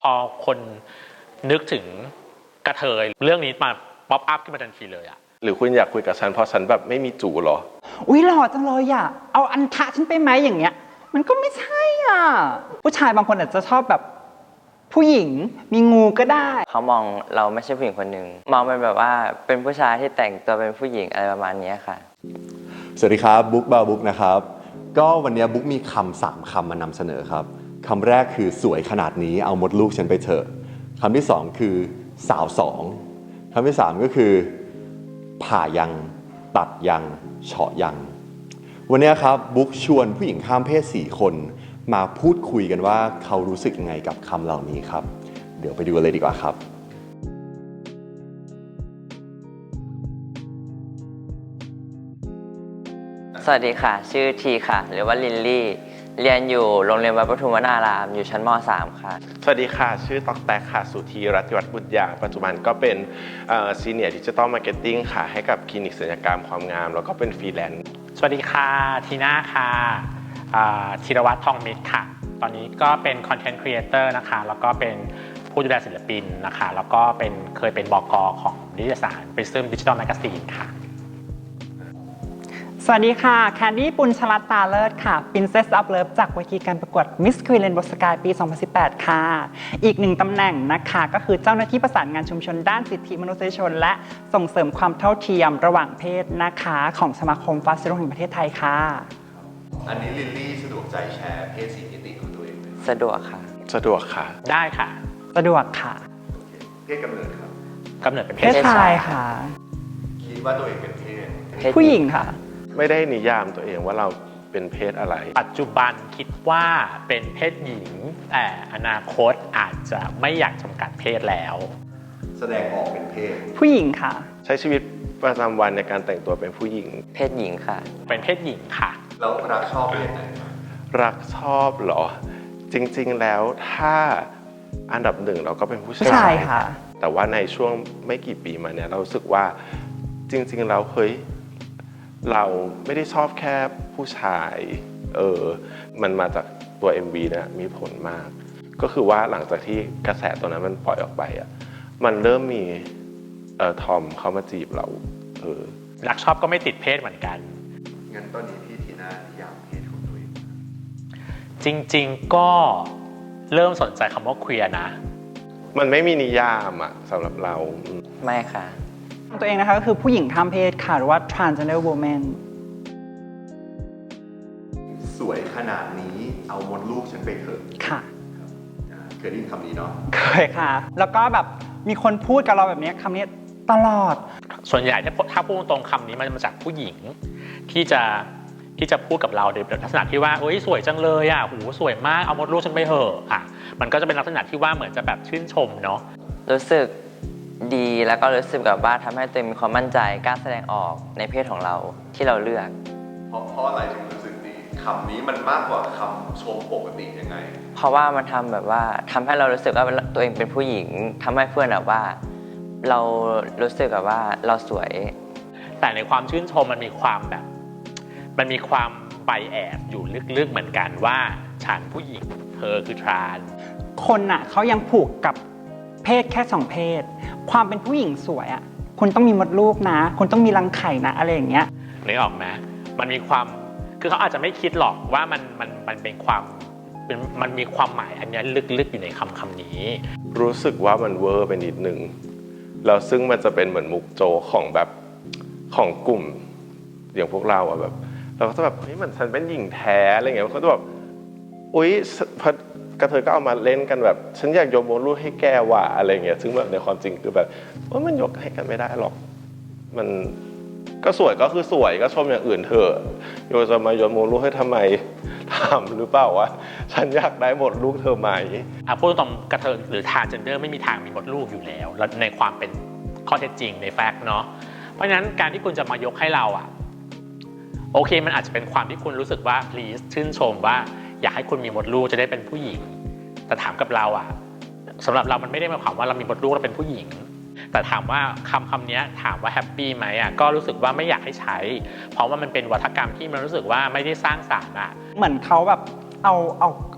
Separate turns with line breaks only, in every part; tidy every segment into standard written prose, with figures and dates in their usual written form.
พอคนนึกถึงกระเทยเรื่องนี้มาป๊อปอัพขึ้นมาทันทีเลยอะ
หรือคุณอยากคุยกับฉันเพราะฉันแบบไม่มีจู่หรอ
อุ๊ยหล่อจังเลยอ่ะเอาอันทะฉันไปไหมอย่างเงี้ยมันก็ไม่ใช่อ่ะผู้ชายบางคนอาจจะชอบแบบผู้หญิงมีงูก็ได้
เขามองเราไม่ใช่ผู้หญิงคนหนึ่งมองเป็นแบบว่าเป็นผู้ชายที่แต่งตัวเป็นผู้หญิงอะไรประมาณนี้ค่ะ
สวัสดีครับบุ๊กบาบุ๊กนะครับก็วันนี้บุ๊กมีคำ3 คำมานำเสนอครับคำแรกคือสวยขนาดนี้เอามดลูกฉันไปเถอะคำที่2คือสาว2คำที่3ก็คือผ่ายังตัดยังเฉาะยังวันนี้ครับบุ๊กชวนผู้หญิงข้ามเพศ4 คนมาพูดคุยกันว่าเขารู้สึกยังไงกับคำเหล่านี้ครับเดี๋ยวไปดูกันเลยดีกว่าครับ
สวัสดีค่ะชื่อทีค่ะหรือว่าลินลี่เรียนอยู่โรงเรียนวัดปทุมวนารามอยู่ชั้นม.3 ค่ะ
สวัสดีค่ะชื่อตอกแตกค่ะสุธีรัตน์วัฒน์บุตรยางปัจจุบันก็เป็นซีเนียร์ดิจิตอลมาร์เก็ตติ้งค่ะให้กับคลินิกศัลยกรรมความงามแล้วก็เป็นฟรีแลนซ์
สวัสดีค่ะทีน่าค่ะธีรวัฒน์ทองมิตรค่ะตอนนี้ก็เป็นคอนเทนต์ครีเอเตอร์นะคะแล้วก็เป็นผู้ดูแลศิลปินนะคะแล้วก็เคยเป็นบก.ของนิตยสาร Prism Digital Magazine ค่ะ
สวัสดีค่ะแคนดี้ปุญชลัตน์ตาเลิศค่ะ Princess of Love จากเวทีการประกวด Miss Queen Rainbow Sky ปี 2018 ค่ะอีก1 ตำแหน่งนะคะก็คือเจ้าหน้าที่ประสานงานชุมชนด้านสิทธิมนุษยชนและส่งเสริมความเท่าเทียมระหว่างเพศนะคะของสมาคมฟาสซิโลแห่งประเทศไทยค่ะ
อันนี้ลิลลี่สะดวกใจแชร์เพศ4 มิติของตัวเองไหม
สะดวกค่ะ
สะดวกค่ะ
ได้ค่ะ
สะดวกค่ะ
เพศกำเนิดครับ
กำเนิดเป็น
เพศชายค่ะ
คิดว่าตัวเองเป็นเพศ
ผู้หญิงค่ะ
ไม่ได้นิยามตัวเองว่าเราเป็นเพศอะไร
ปัจจุบันคิดว่าเป็นเพศหญิงแต่อนาคตอาจจะไม่อยากจำกัดเพศแล้ว
แสดงออกเป็นเพศ
ผู้หญิงค่ะ
ใช้ชีวิตประจำวันในการแต่งตัวเป็นผู้หญิง
เพศหญิงค่ะ
เป็นเพศหญิงค่ะ
แล้วรักชอบเพศไหน
รักชอบเหรอจริงๆแล้วถ้าอันดับ1เราก็เป็นผู้ชาย
ค่ะ
แต่ว่าในช่วงไม่กี่ปีมาเนี่ยเรารู้สึกว่าจริงๆแล้วเฮ้ยเราไม่ได้ชอบแค่ผู้ชายมันมาจากตัว MV เนี่ยมีผลมากก็คือว่าหลังจากที่กระแสตัวนั้นมันปล่อยออกไปอ่ะมันเริ่มมีทอมเขามาจีบเรา
รักชอบก็ไม่ติดเพศเหมือนกัน
งั้นตอนนี้พี่ทีน่านิยามเพศของตัวเอง
จริงๆก็เริ่มสนใจคำว่าเคลียร์นะ
มันไม่มีนิยามอ่ะสำหรับเรา
ไม่ค่ะ
ตัวเองนะคะก็คือผู้หญิงข้ามเพศค่ะหรือว่า transgender woman
สวยขนาดนี้เอามดลูกฉันไปเถอะ
ค่ะ
เคยได้ยินคำนี้เนาะ
เคยค่ะแล้วก็แบบมีคนพูดกับเราแบบนี้คำนี้ตลอด
ส่วนใหญ่ถ้าพูดตรงคำนี้มันมาจากผู้หญิงที่จะพูดกับเราในลักษณะที่ว่าโอ๊ยสวยจังเลยอ่ะหูสวยมากเอามดลูกฉันไปเถอะอ่ะมันก็จะเป็นลักษณะที่ว่าเหมือนจะแบบชื่นชมเนาะ
รู้สึกดีแล้วก็รู้สึกแบบว่าทำให้ตัวเองมีความมั่นใจกล้าแสดงออกในเพศของเราที่เราเลือก
เพราะอะไรถึงรู้สึกดีคำนี้มันมากกว่าคำชมปกติยังไง
เพราะว่ามันทำแบบว่าทำให้เรารู้สึกว่าตัวเองเป็นผู้หญิงทำให้เพื่อนแบบว่าเรารู้สึกแบบว่าเราสวย
แต่ในความชื่นชมมันมีความไบแอบอยู่ลึกๆเหมือนกันว่าฉันผู้หญิงเธอคือทราน
คนน่ะเขายังผูกกับเพศแค่2 เพศความเป็นผู้หญิงสวยอ่ะคุณต้องมีมดลูกนะคุณต้องมีรังไข่นะอะไรอย่างเงี้ย
นึกออกไหมมันมีความคือเขาอาจจะไม่คิดหรอกว่ามันเป็นความมันมีความหมายอันนี้ลึกๆอยู่ในคำนี้
รู้สึกว่ามันเวอร์ไปนิดนึงแล้วซึ่งมันจะเป็นเหมือนมุกโจของแบบของกลุ่มอย่างพวกเราอะแบบเราก็จะแบบเฮ้ยเหมือนฉันเป็นหญิงแท้อะไรเงี้ยเขาจะแบบอุ๊ยกระเทยก็เอามาเล่นกันแบบฉันอยากยกมดลูกให้แกว่ะอะไรเงี้ยซึ่งแบบในความจริงคือแบบว่ามันยกให้กันไม่ได้หรอกมันก็สวยก็คือสวยก็ชมอย่างอื่นเถอะโยจะมายกมดลูกให้ทำไมถามหรือเปล่าวะฉันอยากได้มดลูกเธอไหม
พูดตรงกระเทยหรือทรานส์เจนเดอร์ไม่มีทางมีมดลูกอยู่แล้วและในความเป็นข้อเท็จจริงในแฟกต์เนาะเพราะฉะนั้นการที่คุณจะมายกให้เราอ่ะโอเคมันอาจจะเป็นความที่คุณรู้สึกว่า please ชื่นชมว่าอยากให้คุณมีมดลูกจะได้เป็นผู้หญิงแต่ถามกับเราอ่ะสำหรับเรามันไม่ได้หมายความว่าเรามีมดลูกเราเป็นผู้หญิงแต่ถามว่าคำนี้ถามว่าแฮปปี้ไหมอ่ะก็รู้สึกว่าไม่อยากให้ใช้เพราะว่ามันเป็นวัฒกรรมที่มันรู้สึกว่าไม่ได้สร้างสรรค์อ่ะ
เหมือนเขาแบบเอา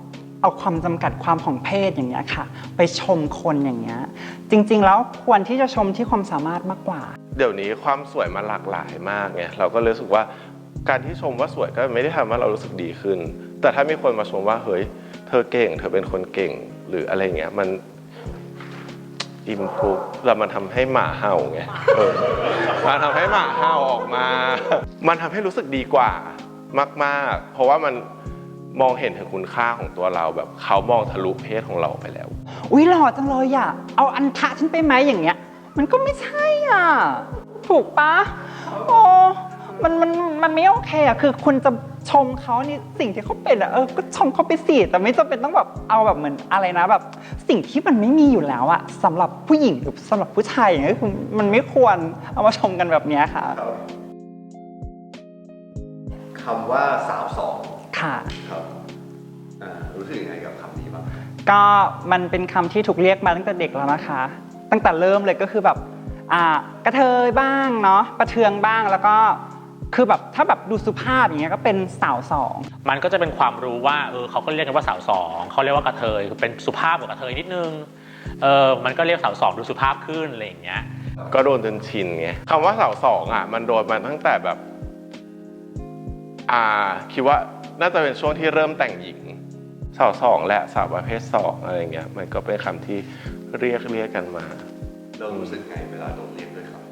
เอาความจำกัดความของเพศอย่างเงี้ยค่ะไปชมคนอย่างเงี้ยจริงๆแล้วควรที่จะชมที่ความสามารถมากกว่า
เดี๋ยวนี้ความสวยมันหลากหลายมากไงเราก็รู้สึกว่าการที่ชมว่าสวยก็ไม่ได้ทำให้เรารู้สึกดีขึ้นแต่ถ้ามีคนมาชมว่าเฮ้ยเธอเก่งเธอเป็นคนเก่งหรืออะไรเงี้ยมันอิมพูฟแล้วมันทำให้หมาเห่าไงมันทำให้หมาเห่าออกมามันทำให้รู้สึกดีกว่ามากๆเพราะว่ามันมองเห็นถึงคุณค่าของตัวเราแบบเขามองทะลุเพศของเราไปแล้ว
อุ๊ยหล่อจังเลยอ่ะเอาอันทะฉันไปไหมอย่างเงี้ยมันก็ไม่ใช่อ่ะถูกปะโอ้มันไม่โอเคอ่ะคือคุณจะชมเขาในสิ่งที่เขาเป็นอ่ะก็ชมเขาไปสิแต่ไม่จำเป็นต้องแบบเอาแบบเหมือนอะไรนะแบบสิ่งที่มันไม่มีอยู่แล้วอ่ะสำหรับผู้หญิงหรือสำหรับผู้ชายอย่างเงี้ยมันไม่ควรเอามาชมกันแบบเนี้ยค่ะ
คำว่าสาวสอง
ค่ะ
ครับรู้สึกยังไงกับคำนี้บ้าง
ก็มันเป็นคำที่ถูกเรียกมาตั้งแต่เด็กแล้วนะคะตั้งแต่เริ่มเลยก็คือแบบกระเทยบ้างเนาะประเทืองบ้างแล้วก็คือแบบถ้าแบบดูสุภาพอย่างเงี้ยก็เป็นสาวสอง
มันก็จะเป็นความรู้ว่าเขาก็เรียกกันว่าสาวสองเขาเรียกว่ากระเทยคือเป็นสุภาพกว่ากระเทยนิดนึงมันก็เรียกสาวสองดูสุภาพขึ้นอะไรอย่างเงี้ย
ก็โดนจนชินไงคำว่าสาวสองมันโดนมาตั้งแต่แบบคิดว่าน่าจะเป็นช่วงที่เริ่มแต่งหญิงสาวสองและสาวประเภทสองอะไรเงี้ยมันก็เป็นคำที่เรียกกันมา
เรารู้สึกไงเวลาโดนเรียกด้วยครับ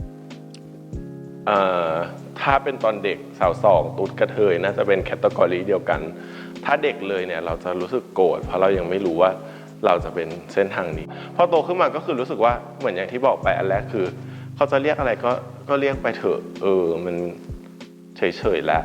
ถ้าเป็นตอนเด็กสาวสองตุ๊ดกระเทยน่าจะเป็นแคตตากรีเดียวกันถ้าเด็กเลยเนี่ยเราจะรู้สึกโกรธเพราะเรายังไม่รู้ว่าเราจะเป็นเส้นทางนี้พอโตขึ้นมาก็คือรู้สึกว่าเหมือนอย่างที่บอกไปอันแรกคือเขาจะเรียกอะไรก็เรียกไปเถอะมันเฉยๆแล้ว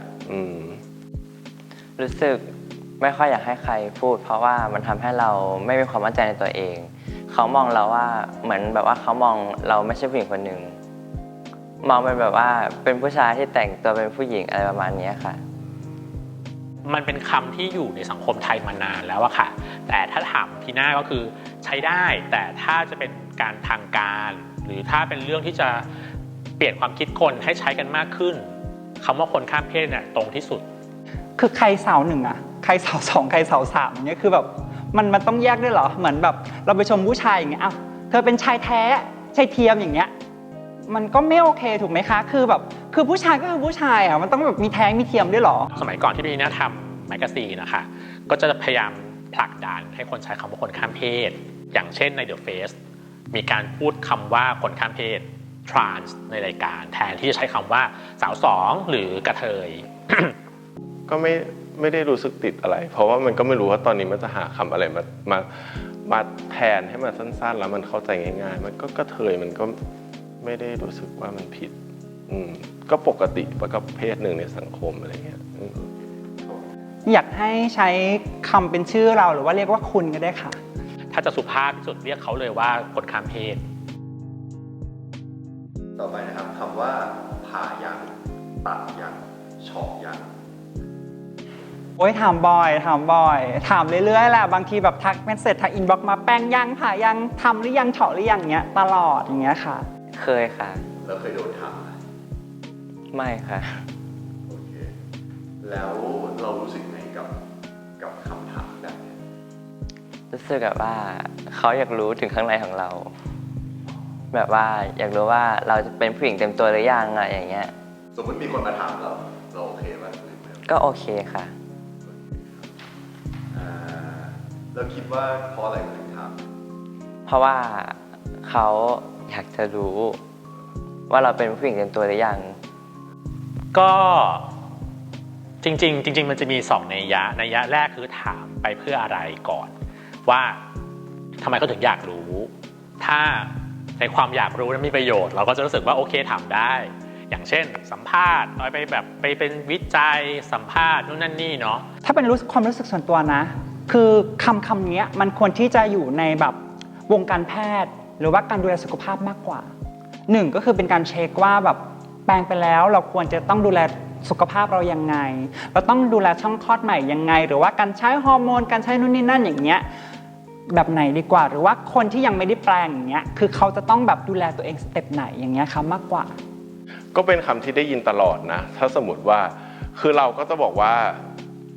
รู้สึกไม่ค่อยอยากให้ใครพูดเพราะว่ามันทำให้เราไม่มีความมั่นใจในตัวเองเขามองเราว่าเหมือนแบบว่าเขามองเราไม่ใช่ผู้หญิงคนหนึ่งมองเป็นแบบว่าเป็นผู้ชายที่แต่งตัวเป็นผู้หญิงอะไรประมาณนี้ค่ะ
มันเป็นคำที่อยู่ในสังคมไทยมานานแล้วอะค่ะแต่ถ้าถามพี่หน้าก็คือใช้ได้แต่ถ้าจะเป็นการทางการหรือถ้าเป็นเรื่องที่จะเปลี่ยนความคิดคนให้ใช้กันมากขึ้นคำว่าคนข้ามเพศเนี่ยตรงที่สุด
คือใครสาวหนึ่งอะใครสาวสองใครสาวสามอย่างเงี้ยคือแบบมันต้องแยกด้วยเหรอเหมือนแบบเราไปชมผู้ชายอย่างเงี้ยเธอเป็นชายแท้ชายเทียมอย่างเงี้ยมันก็ไม่โอเคถูกไหมคะคือแบบคือผู้ชายก็คือผู้ชายมันต้องแบบมีแท้งมีเทียมด้วยเหรอ
สมัยก่อนที่พี่หน้าทำแมกกาซีนนะคะก็จะพยายามผลักดันให้คนใช้คำว่าคนข้ามเพศอย่างเช่นใน The Face มีการพูดคำว่าคนข้ามเพศ trans ในรายการแทนที่จะใช้คำว่าสาวสองหรือกระเทย
ก็ไม่ได้รู้สึกติดอะไรเพราะว่ามันก็ไม่รู้ว่าตอนนี้มันจะหาคำอะไรมาแทนให้มันสั้นๆแล้วมันเข้าใจง่ายๆมันก็กระเทยมันก็ไม่ได้รู้สึกว่ามันผิดก็ปกติกับเพศหนึ่งในสังคมอะไรเงี้ย
อยากให้ใช้คำเป็นชื่อเราหรือว่าเรียกว่าคุณก็ได้ค่ะ
ถ้าจะสุภาพที่สุดเรียกเขาเลยว่าคนข้ามเพศ
ต่อไปนะครับคำว่าผ่ายังตัดยังเฉาะยัง
โอ้ยถามบ่อยถามเรื่อยๆแหละบางทีแบบทักเมสเสจทักอินบ็อกซ์มาแป้งยังผ่ายังทำหรือยังเฉาะหรือยังเงี้ยตลอดอย่างเงี้ยค่ะ
เคยค่ะ
แล้วเคยโดนถามไหม
ไม่ค่ะ
โอเคแล้วเรารู้สึกไงกับคำถามแบบนี้
รู้สึกแบบว่าเขาอยากรู้ถึงข้างในของเราแบบว่าอยากรู้ว่าเราจะเป็นผู้หญิงเต็มตัวหรือยังอะไรอย่างเงี้ย
สมมติมีคนมาถามเราโอเคไหม
ก็โอเคค่ะ
แล้วคิดว่าเพราะอะไรถึงถาม
เพราะว่าเขาอยากจะรู้ว่าเราเป็นผู้หญิงเต็มตัวหรือยัง
ก็จริงมันจะมี2นัยยะแรกคือถามไปเพื่ออะไรก่อนว่าทำไมเขาถึงอยากรู้ถ้าในความอยากรู้นั้นมีประโยชน์เราก็จะรู้สึกว่าโอเคถามได้อย่างเช่นสัมภาษณ์ไปแบบไปเป็นวิจัยสัมภาษณ์นู่นนั่นนี่เนาะ
ถ้าเป็นความรู้สึกส่วนตัวนะคือคำนี้มันควรที่จะอยู่ในแบบวงการแพทย์หรือว่าการดูแลสุขภาพมากกว่า1ก็คือเป็นการเช็คว่าแบบแปลงไปแล้วเราควรจะต้องดูแลสุขภาพเรายังไงเราต้องดูแลช่องคลอดใหม่ยังไงหรือว่าการใช้ฮอร์โมนการใช้นู่นนี่นั่นอย่างเงี้ยแบบไหนดีกว่าหรือว่าคนที่ยังไม่ได้แปลงอย่างเงี้ยคือเขาจะต้องแบบดูแลตัวเองสเต็ปไหนอย่างเงี้ยครับมากกว่า
ก็เป็นคำที่ได้ยินตลอดนะถ้าสมมติว่าคือเราก็จะบอกว่า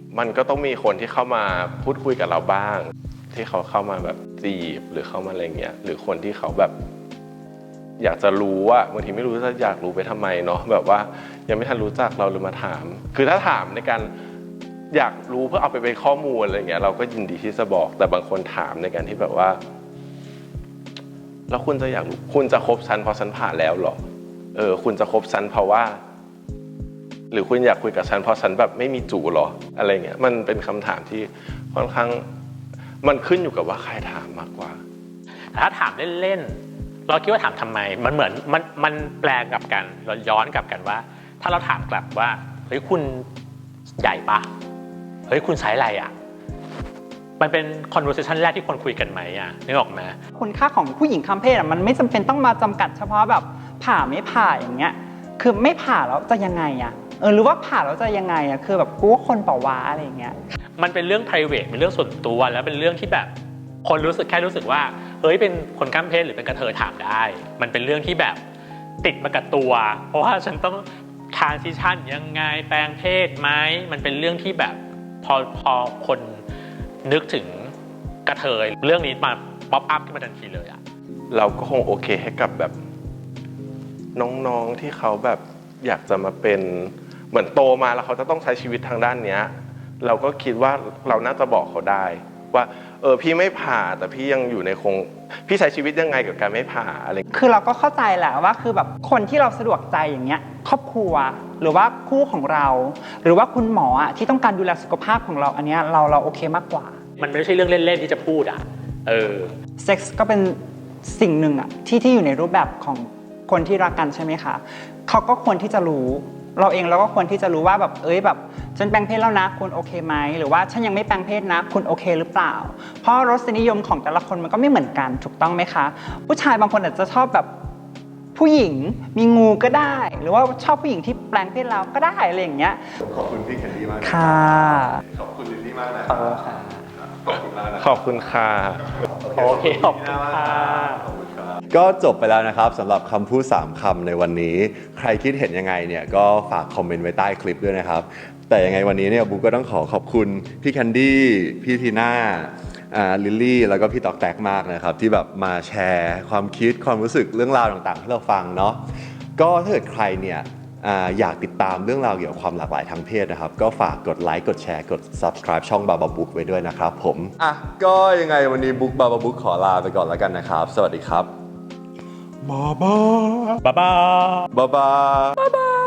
มันก็ต้องมีคนที่เข้ามาพูดคุยกับเราบ้าง ที่เขาเข้ามาแบบจีบหรือเข้ามาอะไรเงี้ยหรือคนที่เขาแบบอยากจะรู้ว่าบางทีไม่รู้จะอยากรู้ไปทำไมเนาะแบบว่ายังไม่ทันรู้จักเราเลยมาถาม คือถ้าถามในการอยากรู้เพื่อเอาไปเป็นข้อมูลอะไรเงี้ยเราก็ยินดีที่จะบอก แต่บางคนถามในการที่แบบว่าแล้วคุณจะอยากรู้คุณจะคบฉันเพราะฉันผ่านแล้วหรอคุณจะคบฉันเพราะว่าหรือคุณอยากคุยกับฉันเพราะฉันแบบไม่มีจู่หรออะไรเงี้ยมันเป็นคำถามที่ค่อนข้างมันขึ้นอยู่กับว่าใครถามมากกว่า
ถ้าถามเล่นๆเราคิดว่าถามทำไมมันเหมือนมันแปลกลับกันเราย้อนกลับกันว่าถ้าเราถามกลับว่าเฮ้ยคุณใหญ่ปะเฮ้ยคุณใช้อะไรอ่ะมันเป็น conversation แรกที่คนคุยกันไหมอ่ะนึกออกไหม
คุณค่าของผู้หญิงข้ามเพศอ่ะมันไม่จำเป็นต้องมาจำกัดเฉพาะแบบผ่าไม่ผ่าอย่างเงี้ยคือไม่ผ่าแล้วจะยังไงอ่ะหรือว่าผ่าแล้วจะยังไงอ่ะคือแบบกูว่าคนเปล่าวะอะไรอย่างเงี้ย
มันเป็นเรื่อง private เป็นเรื่องส่วนตัวแล้วเป็นเรื่องที่แบบคนรู้สึกว่าเฮ้ยเป็นคนข้ามเพศหรือเป็นกระเทยถามได้มันเป็นเรื่องที่แบบติดมากับตัวเพราะว่าฉันต้อง transition ยังไงแปลงเพศไหมมันเป็นเรื่องที่แบบพอคนนึกถึงกระเทยเรื่องนี้มาป๊อปอัพขึ้นมาทันทีเลยอะ
เราก็คงโอเคให้กับแบบน้องๆที่เขาแบบอยากจะมาเป็นเหมือนโตมาแล้วเขาจะต้องใช้ชีวิตทางด้านเนี้ยเราก็คิดว่าเราน่าจะบอกเขาได้ว่าพี่ไม่ผ่าแต่พี่ยังอยู่ในพี่ใช้ชีวิตยังไงกับการไม่ผ่าอะไร
คือเราก็เข้าใจแหละว่าคือแบบคนที่เราสะดวกใจอย่างเงี้ยครอบครัวหรือว่าคู่ของเราหรือว่าคุณหมอที่ต้องการดูแลสุขภาพของเราอันเนี้ยเราโอเคมากกว่า
มันไม่ใช่เรื่องเล่นๆที่จะพูด
เซ็กส์ก็เป็นสิ่งหนึ่งที่อยู่ในรูปแบบของคนที่รักกันใช่ไหมคะเขาก็ควรที่จะรู้เราเองเราก็ควรที่จะรู้ว่าแบบแบบฉันแปลงเพศแล้วนะคุณโอเคไหมหรือว่าฉันยังไม่แปลงเพศนะคุณโอเคหรือเปล่าเพราะรสนิยมของแต่ละคนมันก็ไม่เหมือนกันถูกต้องไหมคะผู้ชายบางคนอาจจะชอบแบบผู้หญิงมีงูก็ได้หรือว่าชอบผู้หญิงที่แปลงเพศแล้วก็ได้อะไรอย่างเงี้ย
ขอบคุณพี่แคนดี้มาก
ค่ะ
ขอบคุณลิลลี่มากนะ
ขอบคุณค่ะ
ขอบคุณมากนะขอบคุณค่ะ
โอเคขอบคุณค่ะ
ก็จบไปแล้วนะครับสำหรับคำพูด3คำในวันนี้ใครคิดเห็นยังไงเนี่ยก็ฝากคอมเมนต์ไว้ใต้คลิปด้วยนะครับแต่ยังไงวันนี้เนี่ยบุ๊กก็ต้องขอบคุณพี่แคนดี้พี่ทีน่าลิลลี่แล้วก็พี่ตอกแตกมากนะครับที่แบบมาแชร์ความคิดความรู้สึกเรื่องราวต่างๆให้เราฟังเนาะก็ถ้าเกิดใครเนี่ยอยากติดตามเรื่องราวเกี่ยวกับความหลากหลายทางเพศนะครับก็ฝากกดไลค์กดแชร์กด subscribe ช่องบาบาบุ๊กไว้ด้วยนะครับผมก็ยังไงวันนี้บุ๊กบาบาบุ๊กขอลาไปก่อนแล้วกันนะครับสวัสดีครับบาบา
บาบา
บาบาบาบา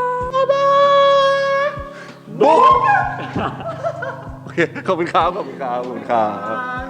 บุ๊กโอเคขอบคุณครับ